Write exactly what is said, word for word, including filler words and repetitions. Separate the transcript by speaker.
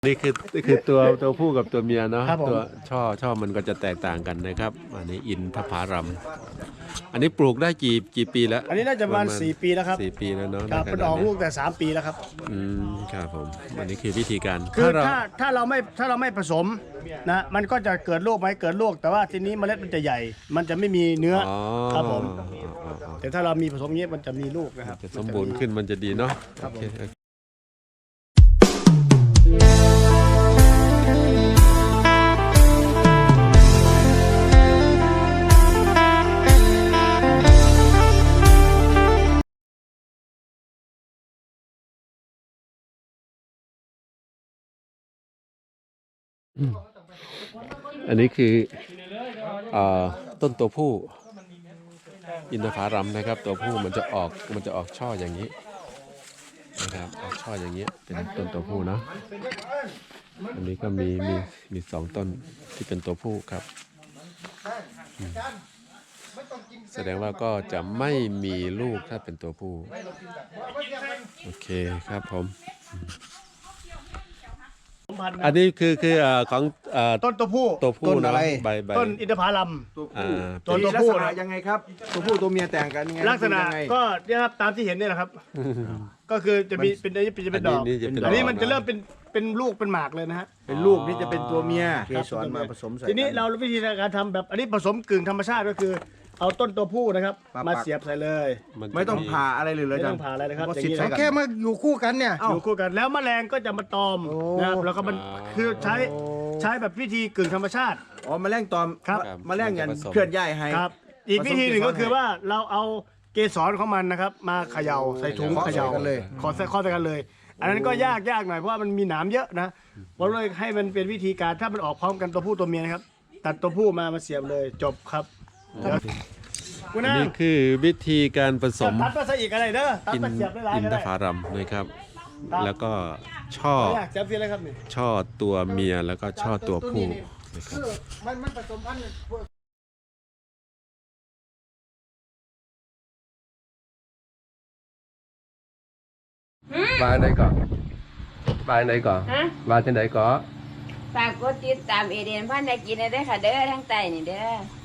Speaker 1: นี่คือนี่คือตัวตัวผู้กับตัวเมียเนาะ
Speaker 2: ครับผม
Speaker 1: ตัวช่อช่อมันก็จะแตกต่างกันนะครับอันนี้อินทผลัมอันนี้ปลูกได้กี่กี่ปีแล้ว
Speaker 2: อันนี้น่าจะประมาณสี่ปีแล้วครับ
Speaker 1: สี่ปีแล้วเนาะ
Speaker 2: ครับ
Speaker 1: ใน
Speaker 2: เป็น
Speaker 1: ข
Speaker 2: อ
Speaker 1: ณะ
Speaker 2: อก
Speaker 1: นี้
Speaker 2: ลูกแต่สามปีแล้วครับ
Speaker 1: อืมครับผมอันนี้คือวิธีการ
Speaker 2: คือ
Speaker 1: เรา
Speaker 2: ถ้าถ้าเราไม่ถ้าเราไม่ผสมนะมันก็จะเกิดลูกไหมเกิดลูกแต่ว่าทีนี้เมล็ดมันจะใหญ่ มันจะไม่มีเนื้อ
Speaker 1: อ๋อ
Speaker 2: ครับผม
Speaker 1: อ๋ออ๋ออ๋อ
Speaker 2: แต่ถ้าเรามีผสมอย่างนี้มันจะมีลูกนะครับ
Speaker 1: จะสมบูรณ์ขึ้นมันจะดีเนาะ
Speaker 2: ครับ
Speaker 1: โอ
Speaker 2: ผม
Speaker 1: เคอันนี้คืออ่าต้นตัวผู้อินทผลัมนะครับ ตัวผู้มันจะออกมันจะออกช่ออย่างนี้นะครับออกช่ออย่างนี้เป็นต้นตัวผู้เนาะอันนี้ก็มีมีมีสองต้นที่เป็นตัวผู้ครับอืมแสดงว่าก็จะไม่มีลูกถ้าเป็นตัวผู้โอเคครับผมอันนี้คือคือเอ่อของเอ่อ
Speaker 2: ต้นตัวผู้
Speaker 1: ตัวผู้
Speaker 3: ต้น
Speaker 1: เนาะ
Speaker 3: อะไร
Speaker 1: ใบใบ
Speaker 2: ต้นอินทผลัม
Speaker 3: ตัว
Speaker 1: อ่
Speaker 3: ผู้
Speaker 1: า
Speaker 2: ตัว
Speaker 3: มี
Speaker 2: ตัว
Speaker 3: ลัก
Speaker 2: ผู้
Speaker 3: ษณะยังไงครับ ตัวผู้ตัวเมียแต่งกันยังไง
Speaker 2: ลักษณะ
Speaker 3: ยังไง
Speaker 2: ก็เนี่ยครับตามที่เห็นเนี่ยแหละครับ ก็คือจะมีเป็นอันนี้จะเป็นดอก
Speaker 1: อันนี้จะเป็นดอก
Speaker 2: อันนี้มันจะเริ่มเป็นเป็นลูกเป็นหมากเลยนะฮะ
Speaker 3: เป็นลูกนี่จะเป็นตัวเมียเกสรมาผสมใส่
Speaker 2: ทีนี้
Speaker 3: กั
Speaker 2: เราวิธีการทำแบบอันนี้ผสมกึ่งธรรมชาติก็คือ เอาต้นตัวผู้นะครับ
Speaker 3: มาปัก
Speaker 2: มาเสียบใส่เลย
Speaker 1: นจะ
Speaker 3: ไม่ต้องผ่าอะไรเลยเลย
Speaker 2: ไม่ต้องผ่าอะไรนะครับ
Speaker 3: ก็
Speaker 2: อย่าง
Speaker 3: สิบ
Speaker 2: นี้
Speaker 3: ส
Speaker 2: นะ
Speaker 3: องแค่มาอยู่คู่กันเนี่ย
Speaker 2: อยู่คู่กันแล้วแมลงก็จะมาตอม
Speaker 3: โอ้
Speaker 2: นะครับแล้วก็มันคือใช้ใช้แบบวิธีกึ่งธรรมชาติ
Speaker 3: อ๋อแมลงตอม
Speaker 2: ครับ
Speaker 3: แมลงยันเคลื่อนย้ายให้
Speaker 2: ครับ อีกวิธีหนึ่ง
Speaker 3: ผสม
Speaker 2: ก็คือ
Speaker 3: เกสร
Speaker 2: ว่าเราเอาเกสรของมันนะครับ มาเขย่าใส่ถุง
Speaker 3: เคาะ
Speaker 2: เขย่า
Speaker 3: ใส่กันเลย
Speaker 2: ขอใส่ข้อใส่กันเลย อันนั้นก็ยากยากหน่อยเพราะว่ามันมีหนามเยอะนะผมเลยให้มันเป็นวิธีการถ้ามันออกพร้อมกันตัวผู้ตัวเมียนะครับ ตัดตัวผู้มามาเสียบเลยจบครับเดี๋ยวคุณ
Speaker 1: อัน
Speaker 2: นะ
Speaker 1: นี้คือวิธีการผสม
Speaker 2: ตัดมาใส่อีกอะไรเด้อตัด
Speaker 1: อิน
Speaker 2: มาเสียบได้หลาย
Speaker 1: อิน
Speaker 2: ก็
Speaker 1: ท
Speaker 2: ได้
Speaker 1: ผลัมนะครับ
Speaker 2: ครับ
Speaker 1: แล้วก็ช่อ
Speaker 2: อยากเสียบเสียอะไรครับนี่
Speaker 1: ช่อตัวเมียแล้วก็ช่อตัวผู้นะครับ
Speaker 2: คือมันมันผสมพันธุ์
Speaker 4: บ้านไหนก่อนบ้านไหนก่อน
Speaker 5: ฮะ
Speaker 4: บ้านที่ไหนก่อน
Speaker 5: ฝากกดติดตามเอเดนพันธุ์ได้กินได้อค่ะเด้อทั้งใต้นี่เด้อ